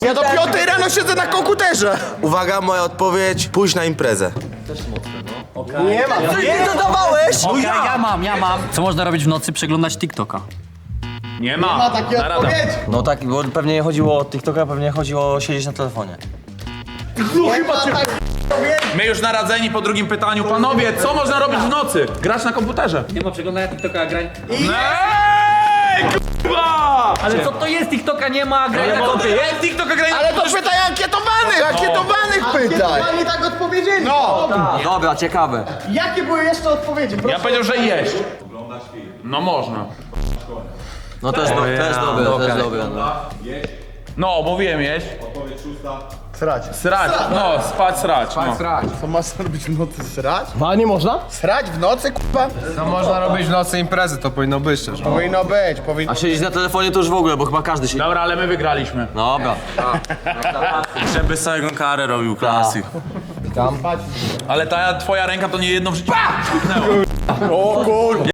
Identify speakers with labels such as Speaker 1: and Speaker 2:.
Speaker 1: Ja do 5 rano siedzę na komputerze.
Speaker 2: Uwaga, moja odpowiedź, pójść na imprezę.
Speaker 1: Nie ma.
Speaker 2: Nie dodawałeś!
Speaker 3: Okej, ja mam. Co można robić w nocy? Przeglądać TikToka.
Speaker 4: Nie ma
Speaker 1: Takiej
Speaker 4: Na radę.
Speaker 1: odpowiedzi.
Speaker 5: No tak, bo pewnie nie chodziło o TikToka, pewnie chodziło o siedzieć na telefonie.
Speaker 4: My już naradzeni po drugim pytaniu. Panowie, co można robić w nocy? Grać na komputerze.
Speaker 3: Nie ma przeglądania TikToka, grań.
Speaker 4: Ej, k***a!
Speaker 3: Ale co to jest? TikToka nie ma, grań na kompie.
Speaker 4: Jest TikToka graj
Speaker 1: Ale to pytaj ankietowanych pytaj.
Speaker 6: Oni tak odpowiedzieli.
Speaker 1: No.
Speaker 5: Dobra, ciekawe.
Speaker 6: Jakie były jeszcze odpowiedzi?
Speaker 4: Ja powiedział, że jeść. No można.
Speaker 5: No też dobre, też dobre. No.
Speaker 4: No, mówiłem jeść.
Speaker 1: Srać.
Speaker 4: Srać, no, spać, srać. No.
Speaker 1: Co masz robić w nocy? Srać?
Speaker 6: A nie można?
Speaker 1: Srać w nocy, k***a?
Speaker 7: No można robić w nocy imprezy, to powinno być też.
Speaker 1: Powinno być, powinno.
Speaker 5: A siedzieć na telefonie to już w ogóle, bo chyba każdy siedzi.
Speaker 4: Dobra, ale my wygraliśmy.
Speaker 5: Dobra.
Speaker 2: Żeby całego karę robił, klasyk.
Speaker 4: Ale ta twoja ręka to nie jedno w życiu.
Speaker 1: O kur...